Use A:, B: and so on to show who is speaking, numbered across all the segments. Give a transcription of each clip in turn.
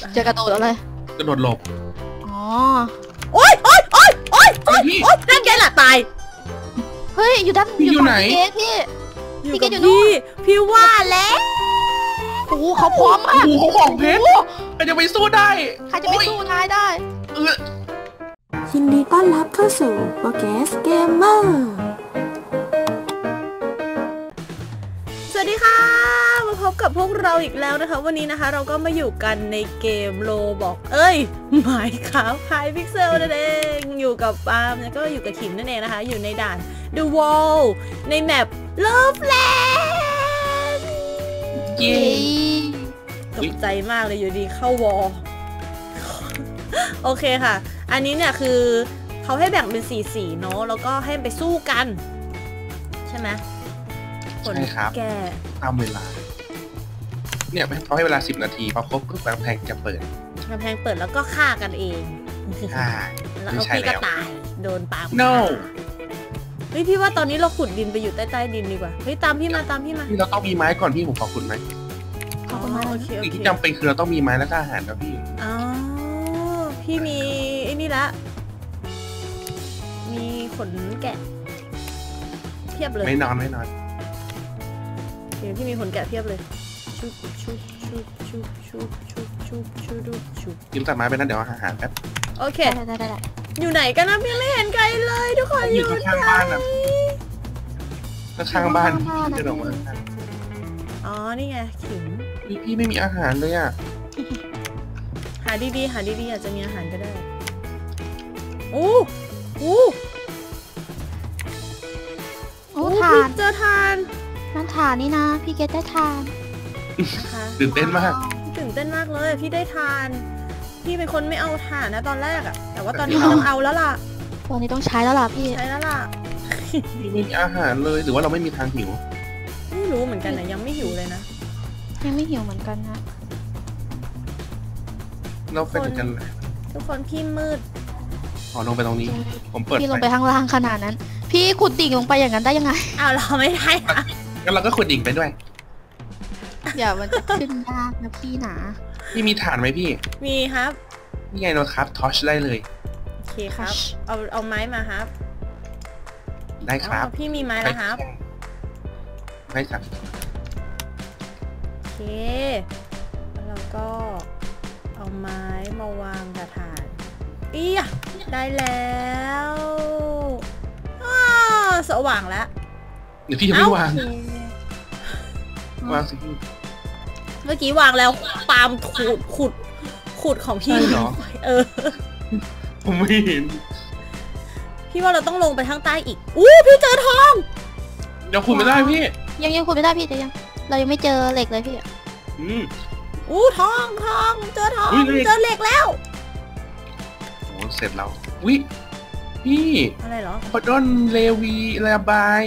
A: จะกระโดดอะไร
B: กระโดดหลบ
A: อ๋อ
C: โอ๊ยนั่นไงล่ะตาย
A: เฮ้ยอยู่ด้าน
B: อยู่ไหน
A: พี่
C: อยู่กับพี่ว่าแล้ว
A: โอ้เขาพร้อมมาก
B: เขาของเพชรใครจะไปสู้ได้
A: ใครจะไปสู้นายได้
D: ยินดีต้อนรับเข้าสู่โปรแกสเกมเมอร์
C: สวัสดีค่ะมาพบกับพวกเราอีกแล้วนะคะวันนี้นะคะเราก็มาอยู่กันในเกมโลบอกหมายครับไฮพิกเซลนั่นเองอยู่กับปาล์มแล้วก็อยู่กับขิมนั่นเองนะคะอยู่ในด่าน The Wall ในแมป Loveland
B: เย้
C: ตกใจมากเลยอยู่ดีเข้าวอลโอเคค่ะอันนี้เนี่ยคือเขาให้แบ่งเป็นสีเนาะแล้วก็ให้ไปสู้กันใช่ไหม
B: ใช่ครับ
C: แก
B: ตามเวลาเนี่ยเขาให้เวลา10 นาทีพอครบปุ๊บกำแพงจะเปิด
C: แล้วก็ฆ่ากันเอง
B: ใช่
C: แล้วพี่ก็ตายโดนปา
B: no
C: เฮ้ยพี่ว่าตอนนี้เราขุดดินไปอยู่ใต้ดินดีกว่าเฮ้ยตามพี่มา
B: พี่เราต้องมีไม้ก่อนพี่ผมขอขุดไหม
C: โอเค
B: สิ่งที่จำเป็นคือเราต้องมีไม้และอาหารครับพี่
C: อ๋อพี่มีไอ้นี่ละมีขนแกะเพียบเลย
B: ไม่นอน
C: เดี๋ยวพี่มีขนแกะเพียบเลยชุบ
B: ยิ้มตัดไม้ไปนั่นเดี๋ยวอาหารแป๊บ
C: โอเคได้อยู่ไหนกันนะพี่ไม่เห็นไกลเลยทุกคนอยู่
B: ข้างบ้านนะข้างบ้านเดินออกมา
C: อ๋อนี่ไงขิง
B: พี่ไม่มีอาหารเลยอ่ะ
C: หาดีอาจจะมีอาหารก็ได้
A: ทาน
C: เจอทาน
A: นั่นทานนี่นะพี่เกดได้ทาน
B: ตื่นเต้นมาก
C: เลยพี่ได้ทานพี่เป็นคนไม่เอาถ่านนะตอนแรกอะแต่ว่าตอนนี้ต้องเอาแล้วล่ะ
A: ตอนนี้ต้องใช้แล้วล่ะพี่
C: ใช้แล้วล่ะ
B: พี่ไม่มีอาหารเลยหรือว่าเราไม่มีทางหิว
C: ไม่รู้เหมือนกันนะยังไม่หิวเลยนะ
A: ยังไม่หิวเหมือนกันนะ
B: เราเป็นกัน
C: ทุกคนพี่มืด
B: ลงไปตรงนี้ผมเปิด
A: พี่ลงไปข้างล่างขนาดนั้นพี่ขุดดิ่งลงไปอย่างนั้นได้ยังไง
C: อ้าวเราไม่ได้
B: งั้นเราก็ขุดดิ่งไปด้วย
A: อย่ามันจะขึ้นยากนะพี่หนา
B: พี่มีถ่านไหมพี่
C: มีครับ
B: นี่ไงเราครับทอชได้เลย
C: โอเคครับเอาไม้มาครับ
B: ได้ครับ
C: พี่มีไม้แล้วครับ
B: ได้ครับ
C: โอเคแล้วเราก็เอาไม้มาวางกระถางได้แล้วสว่างแล้ว
B: เดี๋ยวพี่จะไม่วางสิพี่
C: เมื่อกี้วางแล้วปาล์มขุดของพี่
B: เหรอผมไม่เห็น
C: พี่ว่าเราต้องลงไปข้างใต้อีกพี่เจอทอง
B: เดี๋ยวขุดไม่ได้พี่
A: ยังขุดไม่ได้พี่แต่เรายังไม่เจอเหล็กเลยพี่
C: ทองเจอทองเจอเหล็กแล้ว
B: โอ้เสร็จแล้วพี่
C: อะไรเหรอ
B: พดอนเลวีระบาย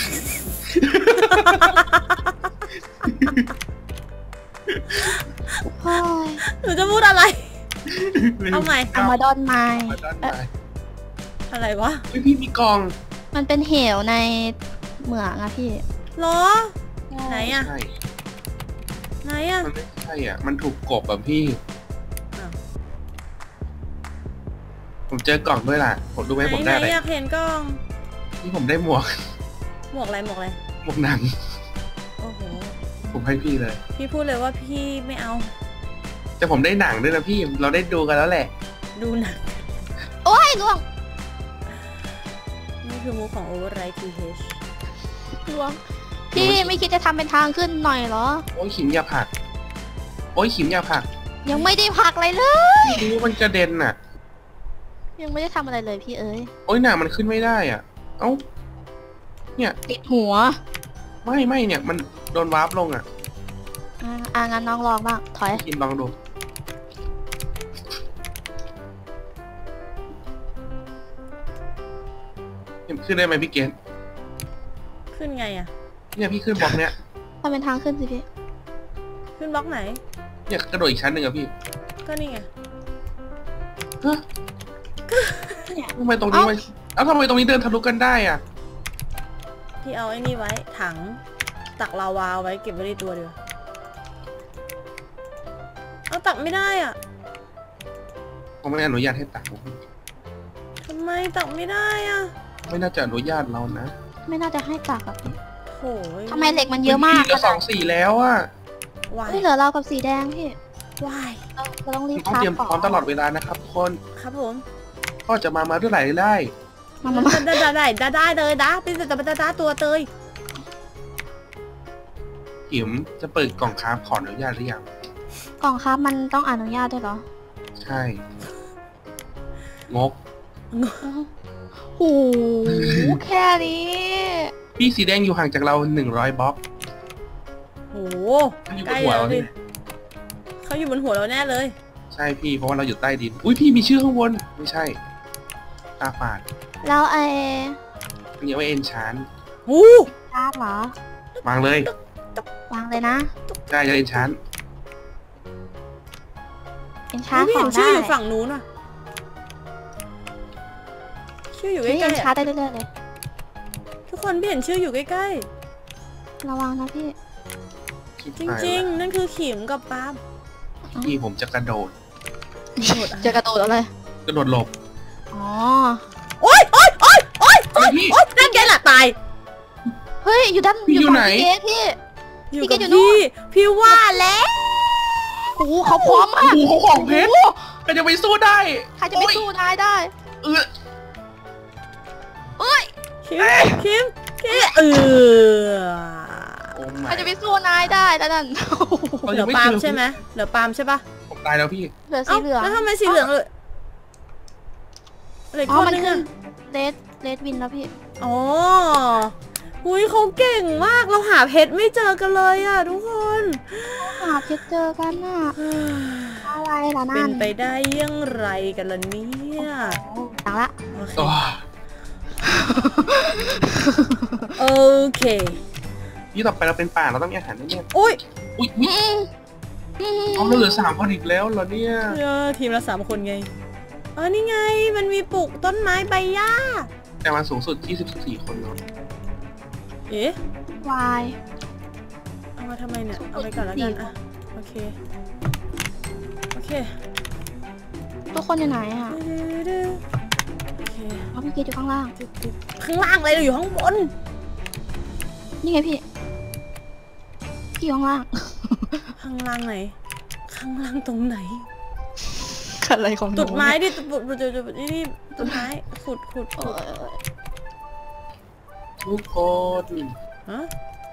C: หนูจะพูดอะไรเอาใหม่
A: เอามาดอนไม้
C: อะไรวะ
B: พี่มีกอง
A: มันเป็นเหวในเหมืองอะพี่
C: หรอไหนอะ
B: มันไม่ใช่อ่ะมันถูกกบอ่ะพี่ผมเจอกล่องด้วยล่ะผมดูไหมผมได้อะไร
C: อยากเห็นกล่อง
B: นี่ผมได้หมวก
C: อะไรหมวก
B: หนัง
C: โอ้โห
B: ผมให้พี่เลย
C: พี่พูดเลยว่าพี่ไม่เอา
B: แต่ผมได้หนังด้วยนะพี่เราได้ดูกันแล้วแหละ
C: ดูหนัง
A: โอ้ยล่วง
C: นี่คือมูของ Override TH
A: ล่วงพี่ไม่คิดจะทำเป็นทางขึ้นหน่อยเหรอ
B: โอ้ยขิมอย่าผัก
A: ยังไม่ได้ผักอะไรเล
B: ยดูมันกระเด็นน่ะ
A: ยังไม่ได้ทำอะไรเลยพี่เอ๋ย
B: โอ้ยหนามันขึ้นไม่ได้อ่ะเนี่ย
A: ติดหัว
B: ไม่เนี่ยมันโดนวาร์ปลงอ่ะ
A: งั้นน้องลองบ้างถอย
B: กินลองดูขึ้นได้ไหมพี่เกณฑ์
C: ขึ้นไงอ่ะ
B: เนี่ยพี่ขึ้นบล็อกเนี้ย
A: ทำเป็นทางขึ้นสิพี่
C: ขึ้นบล็อกไหน
B: เนี่ยกระโดดอีกชั้นหนึ่งอะพี่
C: ก็นี่ไง
B: ทำไมตรงนี้ทำไมตรงนี้เดินทะลุกันได้อ่ะ
C: พี่เอาไอ้นี่ไว้ถังตักลาวาไว้เก็บไว้ในตัวเดียวเอาตักไม่ได้อ่ะ
B: ผมไม่อนุญาตให้ตัก
C: ทำไมตักไม่ได้อ่ะ
B: ไม่น่าจะอนุญาตเรานะ
A: ไม่น่าจะให้ตักอะพี่
C: โอ้ย
A: ทำไมเหล็กมันเยอะมาก
B: เหลือ2-4แล้วอะ
C: วาย
A: ไม่เหลือเรากับสีแดงพี่
C: วาย
A: เราต้องรีบ
B: ต้อง
A: คราฟ
B: เตรียม
A: ก่อน
B: พร้อมตลอดเวลานะครับทุกคน
C: ครับผม
B: ก็จะมาเมื่อไหร่ได้
A: มา
C: ได้เลยนะเป็นแต่ดาตัวเตย
B: หิมจะเปิดกล่องค้าขออนุญาตหรือยัง
A: กล่องคราฟมันต้องอนุญาตด้วยเหรอ
B: ใช่งก
A: โอ้โหแค่นี้
B: พี่สีแดงอยู่ห่างจากเรา100 บล็อก
C: โอ้
B: เขาอยู่
C: ใก
B: บ
C: ล้
B: นหัว
C: แล้ว
B: เรา
C: ดิ
B: เนี่ย
C: เขาอยู่บนหัวเราแน่เลย
B: ใช่พี่เพราะว่าเราอยู่ใต้ดิน อุ้ยพี่มีชื่อข้างบนไม่ใช่ตาฝาด
A: แล้วไอ้
B: อันนี้ไว้เอ็นชาน
C: อู้
A: ชาร์จเหรอ
B: วางเลยว
A: างเลยนะ
B: ได้จะเอ็นชาน
A: เป็นชาร์จ
C: พี่
A: ขอ
C: เห็
A: ง
C: นชื่
A: ได้
C: ออยู่ฝั่งนู้นอ่ะชื่ออยู่ใก
A: พี่
C: ล้
A: เป็น
C: ๆ
A: ชาร์
C: อะ
A: จได้เรื่อยๆเลย
C: ทุกคนพี่เห็นชื่ออยู่ใกล้
A: ระวังนะพี่
C: ๆ จริงๆ นั่นคือขิมกับปาล์ม
B: พี่ผมจะกระโดด
A: จะกระโดดเอาเลย
B: กระโดดหลบ
A: อ๋อ
C: โอ๊ย
B: อะไรพี่
C: นั่นแกล่ะตาย
A: เฮ้ย อยู่ด้าน
B: พี่อยู่ไหน
A: ฝั่งพี่เกพี่
C: อยู่
A: พี่
C: กับ
A: แกอยู่นู่น
C: พี่ว่าแล้ว
A: โอ้โหเขาพร้อมมาก
B: โอ้โหเขาของเพชรใครจะไปสู้ได้
A: ใครจะไปสู้นายได้
B: เออ
A: เอ้ย
C: คิม
B: โอ้
A: ใคร
B: my
A: จะไปสู้นายได้แล้วนั่น
B: เรา
C: เหลื
B: ยั
C: อง
B: ไม่
C: ปา
B: เจ
C: ล์ม
B: อ
C: ใช่ไหมเหลือปาล์มใช่ปะ
B: ผมตายแล้วพี่
A: เหลือสี
C: เอ้า
A: เหลือง
C: แล้วทำไมสีเหลืองเลยอะไร
A: อ๋อ
C: คน
A: มัน
C: นึง
A: ขึ้น
C: อะ
A: เลดวินแล้วพี่
C: อ๋ออุ้ยเขาเก่งมากเราหาเพชรไม่เจอกันเลยอ่ะทุกคน
A: หาเพชรเจอกันน่ะอะไรล่ะ
C: เป็
A: นั่
C: น
A: น
C: ไปได้อยังไรกันล่ะเนี่ย
A: ต่างละ
C: โอเค
B: โอ้
C: โอเค
B: พี่ต่อไปเราเป็นป่าเราต้องมีอาหารแน่
C: อุ้ย
B: ๆอุ้ยเอาเราเหลือ3 คนอีกแล้วเหรอเนี่ย
C: ทีมละ3 คนไงอ๋อนี่ไงมันมีปลูกต้นไม้ใบหญ้า
B: แต่มาสูงสุด24 คนเนาะ
C: เอ๊ะ
A: วาย
C: เอามาทำไมเนี่ยเอาไปก่อนแล้วกันอะโอเคโอเค
A: ทุกคนอยู่ไหนอ่ะ
C: โอเค
A: เอาพี่เกดอยู่ข้างล่าง
C: ข้างล่างเลยเราอยู่ข้างบน
A: นี่ไงพี่ พี่อยู่ข้างล่าง
C: ข้างล่างไหนข้างล่างตรงไหน
A: อะไรของ
C: ตุดไม้ดิตุดนี่ต้นไม้ขุด
B: ทุกคน
C: ฮะ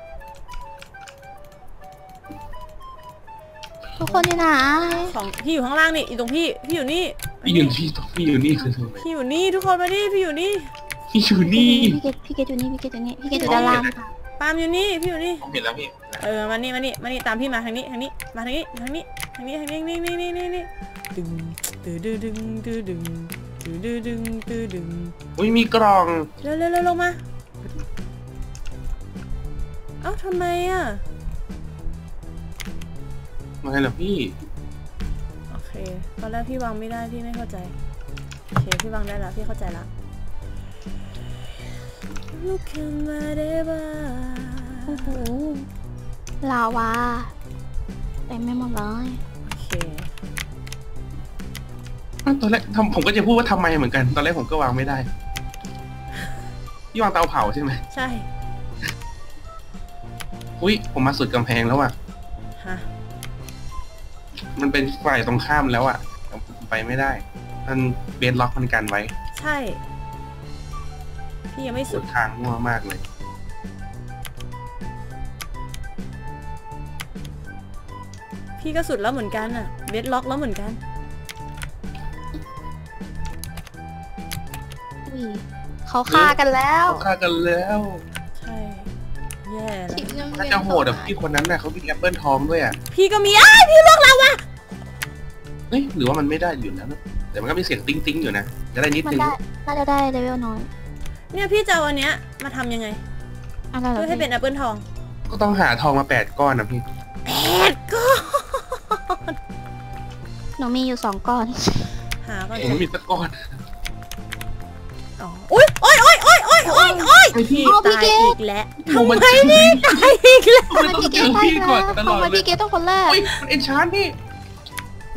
A: ทุกคนอยู่ไหน
C: ของพี่อยู่ข้างล่างนี่อยู่ตรงพี่อยู่นี่
B: พี่อยู่นี่พี่อยู่นี่คือทำไม
C: พี่อยู่นี่ทุกคนมาดิพี่อยู่นี่
B: พี่อยู่นี่
A: พี่เกดอยู่นี่พี่เกดอยู่นี่พี่เกดอยู่ด้านล่างค่ะ
C: ปาล์มอยู่นี่พี่อยู่นี่
B: ผมเห็นแล้วพี่
C: มานี่ตามพี่มาทางนี้มาทางนี้นี่ดึงดึง
B: อุ้ยมีกล่อง
C: เร็วลงมาเอ้าทำไมอ่ะ
B: มาไงล่ะพี่
C: โอเคตอนแรกพี่วางไม่ได้พี่ไม่เข้าใจโอเคพี่วางได้แล้วพี่เข้าใจละลูกแค่มาได้บ้า
A: โอ้โหลาวาเต็มไม่หมดเลย
C: โอเค
B: ตอนแรกผมก็จะพูดว่าทำไมเหมือนกัน ตอนแรกผมก็วางไม่ได้ พี่วางเตาเผาใช่ไหม
C: ใช่
B: อุ้ยผมมาสุดกำแพงแล้วอ่ะ
C: ฮะ
B: มันเป็นฝ่ายตรงข้ามแล้วอ่ะไปไม่ได้ มันเบสล็อกมันกันไว้
C: ใช่พี่ยังไม่
B: สุ
C: สุ
B: ด
C: ด
B: ทางมั่วมากเลย
C: พี่ก็สุดแล้วเหมือนกันอ่ะเบสล็อกแล้วเหมือนกัน
A: อุ้ยเขาฆ่ากันแล้ว
B: ฆ่ากันแล้ว
C: ใช่แย่แล้ว
A: ทีมยัง
B: น่าจะโหดแบบพี่คนนั้นน่ะเขามีแอปเปิลทองด้วยอ่ะ
C: พี่ก็มีพี่ลวกเราว่ะ
B: เฮ้ยหรือว่ามันไม่ได้อยู่แล้วนะแต่มันก็มีเสียงติ้งติ้งอยู่นะจะได้นิด
A: มัน
B: นึง
A: ได้น่าจะได้เลเวลน้อย
C: เนี่ยพี่จะเอาอันเนี้ยมาทำยังไง
A: อะไรเหรอ
C: เพื่อให้เป็นแอปเปิลทอง
B: ก็ต้องหาทองมา8 ก้อนนะพี่
C: ก็
A: หนูมีอยู่2 ก้อน
C: หาก่อน
B: ผมไม่มีสักก้อน
C: อ๋ออุ้ยโอ้ย
B: ไอพี่
C: ตายอีกแล้ว
B: ทำไม
C: ตายอีกแล้ว
B: ทำไมต้องเจอพี่ก่อนตลอด
A: ทำไม
B: เลย
A: พี่เกดต้องคนแรก
B: อุ้ยมันเอนชานพี่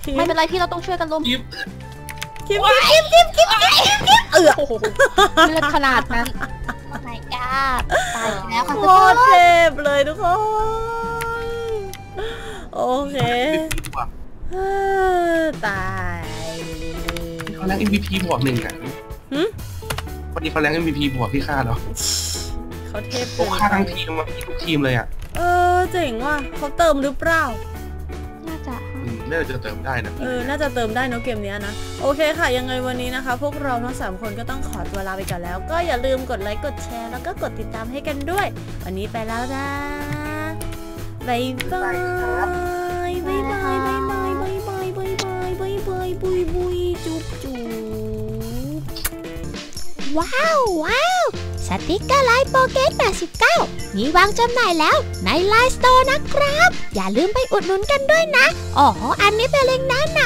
A: ไม่เป็นไรพี่เราต้องช่วยกันล้ม
B: กิ๊บ
C: คิม
A: เลือดขนาดนั้น my god ตายแล้วค่ะ
C: โคตรเจ็บเลยทุกคนโอเคตาย
B: เขาแรง MVP บวก1อ่ะวันนี้เขาแรง MVP บวกพี่ค่าเหรอ
C: เขาเทพ
B: โอ้ค่าทั้งทีมมาทุกทีมเลยอ่ะ
C: เจ๋งว่ะเขาเติมหรือเปล่า
A: น่าจะ
B: น่าจะเติมได้นะ
C: น่าจะเติมได้เนอะเกมนี้นะโอเคค่ะยังไงวันนี้นะคะ พวกเราทั้ง3คนก็ต้องขอตัวลาไปก่อนแล้วก็อย่าลืมกดไลค์กดแชร์แล้วก็กดติดตามให้กันด้วยวันนี้ไปแล้วนะบ๊ายบายบ๊ายบายบ๊ายบายบ๊ายบายบ๊ายบายบ๊ายบายบุยบุยจุ๊บจุ๊บ
E: ว้าวสติกเกอร์ไลน์โปเกต89มีวางจำหน่ายแล้วในไลน์สโตร์นะครับอย่าลืมไปอุดหนุนกันด้วยนะอ๋ออันนี้เป็นเล็งก์แนะน